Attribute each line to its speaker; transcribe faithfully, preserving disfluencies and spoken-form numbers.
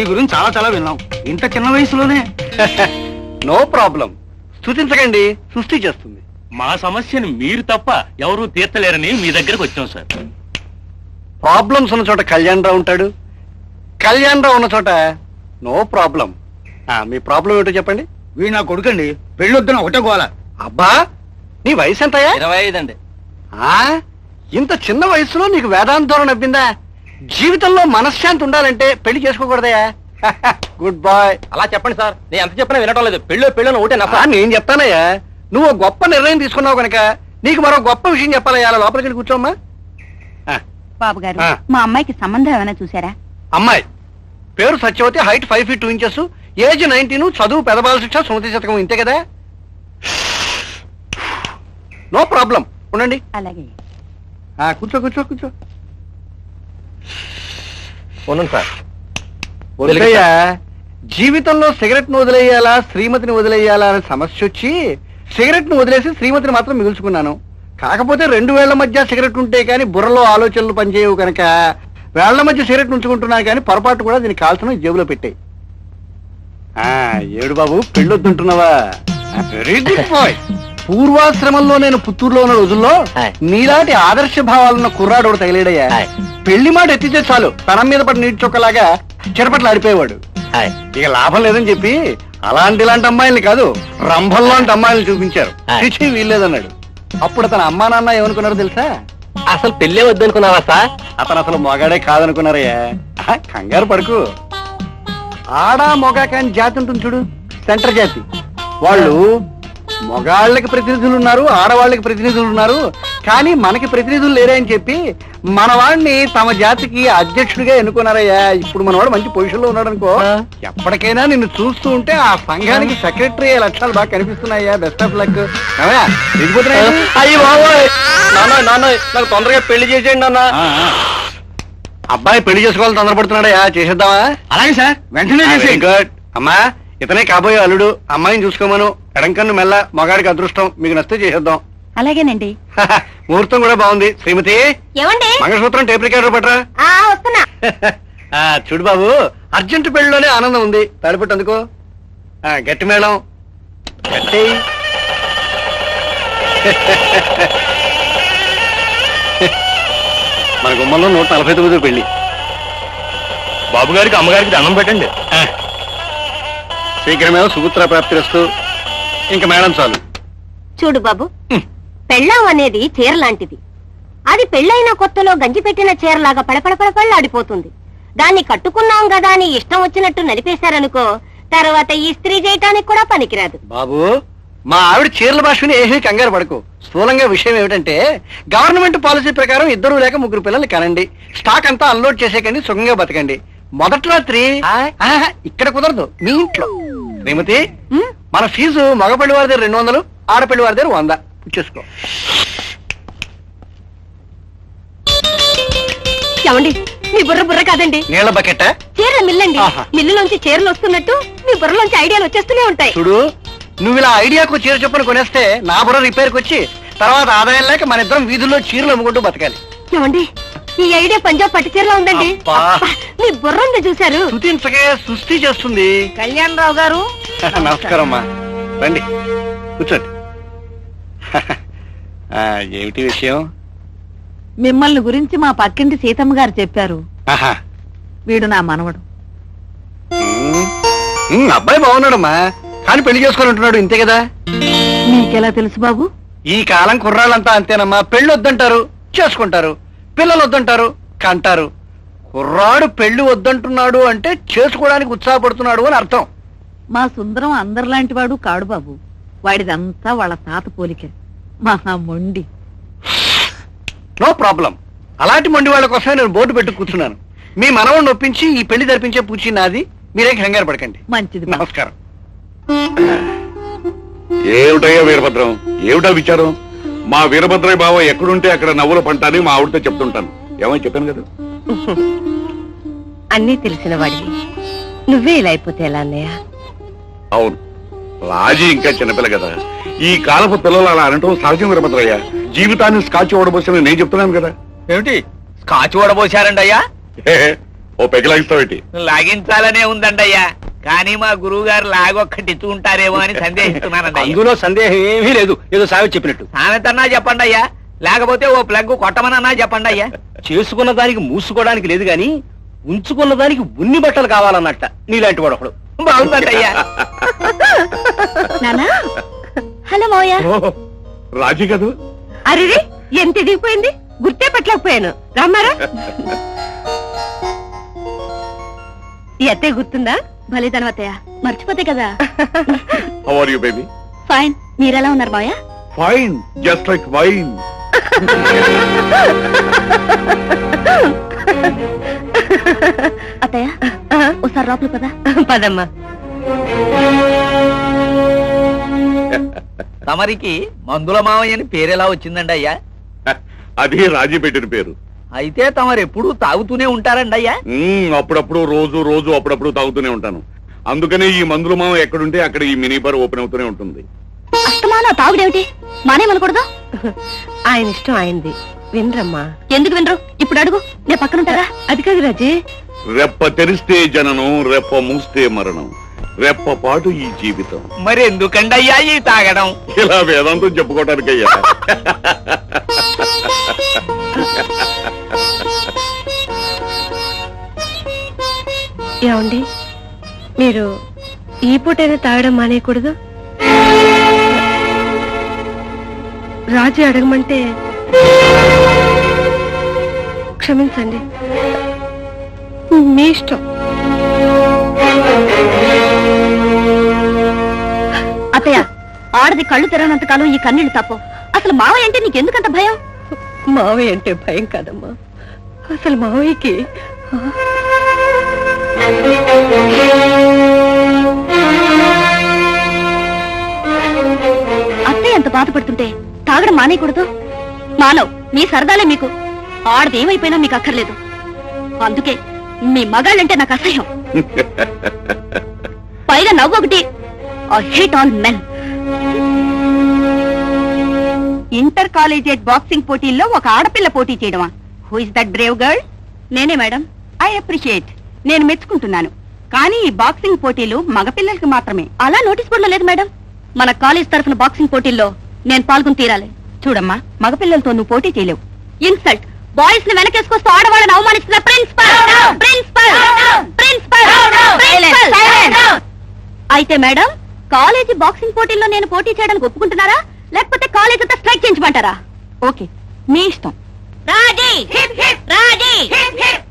Speaker 1: మీ గురించి చాలా చాలా విన్నాం, ఇంత చిన్న వయసులోనే.
Speaker 2: నో ప్రాబ్లం, స్తుతించకండి, సృష్టి చేస్తుంది.
Speaker 3: మా సమస్యను మీరు తప్ప ఎవరూ తీర్చలేరని మీ దగ్గరకు వచ్చాం సార్.
Speaker 2: ప్రాబ్లమ్స్ ఉన్న చోట కళ్యాణ్ రావు ఉంటాడు, కళ్యాణ్ రావు ఉన్న చోట నో ప్రాబ్లం. మీ ప్రాబ్లం ఏంటో చెప్పండి.
Speaker 1: వీడు నా కొడుకండి, పెళ్ళొద్దున ఒకటే గోల.
Speaker 2: అబ్బా, నీ వయసు ఎంతయా?
Speaker 3: ఇరవై ఐదు అండి.
Speaker 2: ఇంత చిన్న వయసులో నీకు వేదాంతోరణ నవ్విందా? జీవితంలో మనశ్శాంతి ఉండాలంటే పెళ్లి చేసుకోకూడదయా? Good bye.
Speaker 3: అలా చెప్పండి సార్, నేను ఎంత చెప్పినా వినటం లేదు. పెళ్ళో పెళ్ళో ఒకటే నా.
Speaker 2: నేను చెప్తానయ్యా, నువ్వు గొప్ప నిర్ణయం తీసుకున్నావు కనుక నీకు మరో గొప్ప విషయం చెప్పాలయ్యా. అలా లోపలికి వెళ్ళి కూర్చోమ్మా.
Speaker 4: బాబు గారు, మా అమ్మాయికి సంబంధం ఏమైనా చూసారా?
Speaker 2: అమ్మాయి పేరు Satyavati, height five feet two inches, age nineteen, చదువు పెదబాల శిక్ష, సుమతి శతకం, ఇంతే కదా? నో ప్రాబ్లం, ఉండండి.
Speaker 4: అలాగే.
Speaker 2: కూర్చో కూర్చో కూర్చో.
Speaker 3: ఉండండి సార్.
Speaker 2: వదిలేయ్యా, జీవితంలో సిగరెట్ ను వదిలేయాలా శ్రీమతిని వదిలేయాలా అనే సమస్య వచ్చి సిగరెట్ ను వదిలేసి శ్రీమతిని మాత్రం మిగుల్చుకున్నాను. కాకపోతే రెండు వేళ్ల మధ్య సిగరెట్ ఉంటే కానీ బుర్రలో ఆలోచనలు పనిచేయవు కనుక వేళ్ల మధ్య సిగరెట్ ఉంచుకుంటున్నాను, కానీ పొరపాటు కూడా దీన్ని కాల్చడం జేబులో పెట్టాయి. ఏడు బాబు, పెళ్ళొద్దుంటున్నావా? Very good boy. పూర్వాశ్రమంలో నేను పుత్తూరులో ఉన్న రోజుల్లో నీలాంటి ఆదర్శ భావాలున్న కుర్రాడు ఒకటి తగిలేడయ్యా. పెళ్లి మాట ఎత్తితే చాలు తనం మీద పడి నీటి చొక్కలాగా చెరపట్లు ఆడిపోయేవాడు. ఇక లాభం లేదని చెప్పి అలాంటి ఇలాంటి అమ్మాయిల్ని కాదు, రంభల్లాంటి అమ్మాయిల్ని చూపించారు. చిచి వీల్లేదన్నాడు. అప్పుడు అతను అమ్మా నాన్న ఏమనుకున్నారో తెలుసా?
Speaker 3: అసలు పెళ్ళే వద్దనుకున్నావా సార్?
Speaker 2: అతను అసలు మొగాడే కాదనుకున్నారయ్యా. కంగారు పడుకు. ఆడా మొగా కాని జాతి ఉంటుంది చూడు, సెంటర్ జాతి. వాళ్ళు మొగాళ్ళకి ప్రతినిధులు ఉన్నారు, ఆడవాళ్ళకి ప్రతినిధులు ఉన్నారు, కానీ మనకి ప్రతినిధులు లేరే అని చెప్పి మన వాడిని తమ జాతికి అధ్యక్షుడిగా ఎన్నుకున్నారయ్యా. ఇప్పుడు మన వాడు మంచి పొజిషన్ లో ఉన్నాడు అనుకో, ఎప్పటికైనా నిన్ను చూస్తూ ఉంటే ఆ సంఘానికి సెక్రటరీ అయ్యే లక్షణాలు బాగా కనిపిస్తున్నాయ్యా. Best of luck.
Speaker 3: అయ్యి బాబోయ్, నాన్న నాన్న నాకు తొందరగా పెళ్లి చేసేయండి నాన్న.
Speaker 2: అబ్బాయి పెళ్లి చేసుకోవాలని తొందరపడుతున్నాడయ్యా, చేసేద్దామా?
Speaker 1: అలాగే సార్, వెంటనే చేసేయండి.
Speaker 2: గుడ్. అమ్మా, ఇతనే కాబోయే అల్లుడు, అమ్మాయిని చూసుకోమను. ఎడంకన్ను మెల్ల, మగాడికి అదృష్టం. మీకు నచ్చితే చేసేద్దాం.
Speaker 4: అలాగేనండి.
Speaker 2: ముహూర్తం కూడా బాగుంది. శ్రీమతి,
Speaker 4: ఏమండి?
Speaker 2: మంగళసూత్రం టేప్ రికార్డర్ పట్రా.
Speaker 4: వస్తున్నా.
Speaker 2: చూడు బాబు, అర్జెంట్ పెళ్లిలోనే ఆనందం ఉంది. తాడిపట్టు అందుకో. గట్టి మేళం గట్టి. మన గుమ్మంలో నూట నలభై తొమ్మిది పెళ్లి.
Speaker 3: బాబు గారికి అమ్మగారికి దండం పెట్టండి.
Speaker 2: శీఘ్రమేమో సుపుత్ర ప్రాప్తిరస్తు. ఇంకా మేడం చాలు.
Speaker 4: చూడు బాబు, పెళ్ళాం అనేది చీర లాంటిది. అది పెళ్ళైన కొత్తలో గంజి పెట్టిన చీరలాగా పడపడపడపళ్ళాడిపోతుంది. దాన్ని కట్టుకున్నాం కదా అని ఇష్టం వచ్చినట్టు నడిపేశారనుకో, తర్వాత ఈ స్త్రీ చేయటానికి కూడా పనికిరాదు.
Speaker 2: బాబు, మా ఆవిడ చీరల భాషని ఏమీ కంగారు పడకు. స్థూలంగా విషయం ఏమిటంటే, గవర్నమెంట్ పాలసీ ప్రకారం ఇద్దరు లేక ముగ్గురు పిల్లల్ని కనండి, స్టాక్ అంతా అన్లోడ్ చేసేకండి, సుఖంగా బతకండి. మొదటి రాత్రి ఇక్కడ కుదరదు, మీ ఇంట్లో. శ్రీమతి, మన ఫీజు మగపెళ్లి వారి దగ్గర రెండు వందలు, ఆడపెళ్లి వారి దగ్గర వంద. పుచ్చేసుకో.
Speaker 4: ఏమండి, మీ బుర్ర బుర్ర కాదండి,
Speaker 2: నీళ్ల బకెట్.
Speaker 4: చీరల మిల్లండి. మిల్లులోంచి చీరలు వస్తున్నట్టు మీ బుర్రలోంచి ఐడియాలు వచ్చేస్తూనే ఉంటాయి.
Speaker 2: చూడు, నువ్వు ఇలా ఐడియాకు చీర చొప్పున కొనేస్తే నా బుర్ర రిపేర్కి వచ్చి తర్వాత ఆదాయం లేక మన ఇద్దరం వీధుల్లో చీరలు అమ్ముకుంటూ బతకాలి.
Speaker 4: ఏమండి, ఈ ఐడియా పంజాబ్ పట్టు చీరలో ఉందండి. మీ బుర్ర ఉంది చూశారు.
Speaker 2: స్తుతించకే సృష్టి చేస్తుంది.
Speaker 4: కళ్యాణ్ రావు గారు
Speaker 2: నమస్కారం అమ్మా, రండి కూర్చోండి. ఏమిటి విషయం?
Speaker 5: మిమ్మల్ని గురించి మా పక్కింటి సీతమ్మ గారు చెప్పారు. వీడు నా మనవడు.
Speaker 2: అబ్బాయి బాగున్నాడమ్మా, కానీ పెళ్లి చేసుకుని ఇంతే కదా.
Speaker 5: నీకెలా తెలుసు బాబు?
Speaker 2: ఈ కాలం కుర్రాళ్ళంతా అంతేనమ్మా. పెళ్లి వద్దంటారు, చేసుకుంటారు. పిల్లలు వద్దంటారు, కంటారు. కుర్రాడు పెళ్లి వద్దంటున్నాడు అంటే చేసుకోవడానికి ఉత్సాహపడుతున్నాడు అని అర్థం.
Speaker 5: మా సుందరం అందరిలాంటి వాడు కాడు బాబు. వాడిదంతా వాళ్ళ తాత పోలిక. మహా మొండి.
Speaker 2: No problem. అలాంటి మొండి వాళ్ళ కోసమే నేను బోర్డు పెట్టు కూర్చున్నాను. మీ మనవడిని ఒప్పించి ఈ పెళ్లి జరిపించే పూచి నాది. మీరేం కంగారు పడకండి.
Speaker 5: మంచిది.
Speaker 2: నమస్కారం.
Speaker 6: ఏమిటయ్యా వీరభద్రం, ఏమిటా విచారం? మా వీరభద్రయ్య బావ ఎక్కడుంటే అక్కడ నవ్వుల పంట అని మా ఆవిడతో చెప్తుంటాను. ఏమని చెప్పాను కదా.
Speaker 4: అన్నీ తెలిసిన వాడివి నువ్వే ఇలా అయిపోతే ఎలా అన్నయ్య?
Speaker 6: అవును, రాజీ ఇంకా చిన్నపిల్ల కదా. ఈ కాలపు పిల్లలు అలా అనటం సహజం వీరభద్రయ్య. జీవితాన్ని స్కాచ్ ఓడబోసిన నేను చెప్తున్నాను కదా.
Speaker 3: ఏమిటి స్కాచ్ ఓడబోసారండి అయ్యా?
Speaker 6: ఓ పెగలాగిస్తావేటి
Speaker 3: లాగించాలనే ఉందండి అయ్యా, కానీ మా గురువు గారు లాగొక్కటిచ్చుకుంటారేమో అని సందేహిస్తున్నానండి అయ్యా.
Speaker 2: అందులో సందేహం ఏమీ లేదు, ఏదో సావి చెప్పినట్టు.
Speaker 3: సామెతన్నా చెప్పండి అయ్యా, లేకపోతే ఓ ప్లగ్ కొట్టమనన్నా చెప్పండి అయ్యా.
Speaker 2: చేసుకున్న దానికి మూసుకోవడానికి లేదు గాని ఉంచుకున్న దానికి ఉన్ని బట్టలు కావాలన్నట్ట నీలాంటి వాడు ఒకడు.
Speaker 3: బాగుందండి అయ్యా.
Speaker 4: నానా హలో మావయ్య.
Speaker 6: ఓ, రాజీ కదూ?
Speaker 4: అరే ఎంత ఎదిగిపోయింది, గుర్తే పెట్టలేకపోయాను. రామారా ఈ అత్తయ్య గుర్తుందా? భలేదనం అత్తయ్య, మర్చిపోతే కదా.
Speaker 6: How are you baby?
Speaker 4: Fine, మీరెలా ఉన్నారు మావయ్య?
Speaker 6: Fine, just like wine.
Speaker 4: అత్తయ్య ఒకసారి లోపల పదా. పదమ్మా.
Speaker 3: తమరికి మందుల మావయ్య అని పేరెలా వచ్చిందండి అయ్యా?
Speaker 6: అది రాజీ పెట్టిన పేరు.
Speaker 3: అయితే తమరు ఎప్పుడు తాగుతూనే ఉంటారండి అయ్యా?
Speaker 6: మ్మ్, అప్పుడప్పుడు రోజు రోజు అప్పుడప్పుడు తాగుతూనే ఉంటాను. అందుకనే ఈ మందుల మామ ఎక్కడుంటే అక్కడ ఈ మినీ బార్ ఓపెన్ అవుతూనే ఉంటుంది.
Speaker 4: అస్తమానా తాగుడేమిటి, మానేమనకూడదు. ఆయన ఇష్టం ఆయనది, వినరమ్మా. ఎందుకు వినరు? ఇప్పుడు అడుగు, నేను పక్కనుంటారా? అది కాదు రాజీ.
Speaker 6: రెప్ప తెరిస్తే జననం, రెప్ప మూస్తే మరణం, రెప్ప పాటు ఈ జీవితం.
Speaker 3: మరి ఎందుకండి అయ్యా ఈ తాగడం?
Speaker 6: ఇలా వేదాంతం చెప్పుకోవటానికయ్యా.
Speaker 4: ఏమండి, మీరు ఈ పూటైనా తాగడం మానేయకూడదు. రాజు అడగమంటే క్షమించండి, మీ ఇష్టం. అత్తయ్య, ఆడది కళ్ళు తెరవనంత కాలం ఈ కన్నీళ్లు తప్పు. అసలు మావయ్య అంటే నీకెందుకంత భయం? మావయ్య అంటే భయం కాదమ్మా, అసలు మావయ్యకి అత్తయ్య ఎంత బాధపడుతుంటే తాగడం మానేయకూడదు. మానవ్, మీ సరదాలే మీకు. ఆడది ఏమైపోయినా మీకు అక్కర్లేదు. అందుకే మీ మగాళ్ళంటే నాకు అసహ్యం. పైగా నవ్వు ఒకటి. I hate all men. Inter collegiate boxing పోటీల్లో ఒక ఆడపిల్ల పోటీ చేయడమా? Who is that brave girl? నేనే మేడం. ఐ అప్రిషియేట్, నేను మెచ్చుకుంటున్నాను. కానీ ఈ బాక్సింగ్ పోటీలు మగపిల్లలకి మాత్రమే. అలా నోటీస్ బోర్డులో లేదు మేడం. మన కాలేజ్ తరఫున బాక్సింగ్ పోటీల్లో నేను పాల్గొని తీరాలి. చూడమ్మా, మగపిల్లలతో నువ్వు పోటీ చేయలేవు. ఇన్సల్ట్! బాయ్స్ ని వెనకేసుకొస్తూ ఆడవాళ్ళని అవమానిస్తున్న ప్రిన్సిపల్! ప్రిన్సిపల్! ప్రిన్సిపల్! అయితే మేడం, కాలేజీ బాక్సింగ్ పోటీల్లో నేను పోటీ చేయడానికి ఒప్పుకుంటున్నారా, లేకపోతే కాలేజ్ అంతా స్ట్రైక్ చేయించమంటారా? ఓకే, మీ ఇష్టం. రాజీ! రాజీ!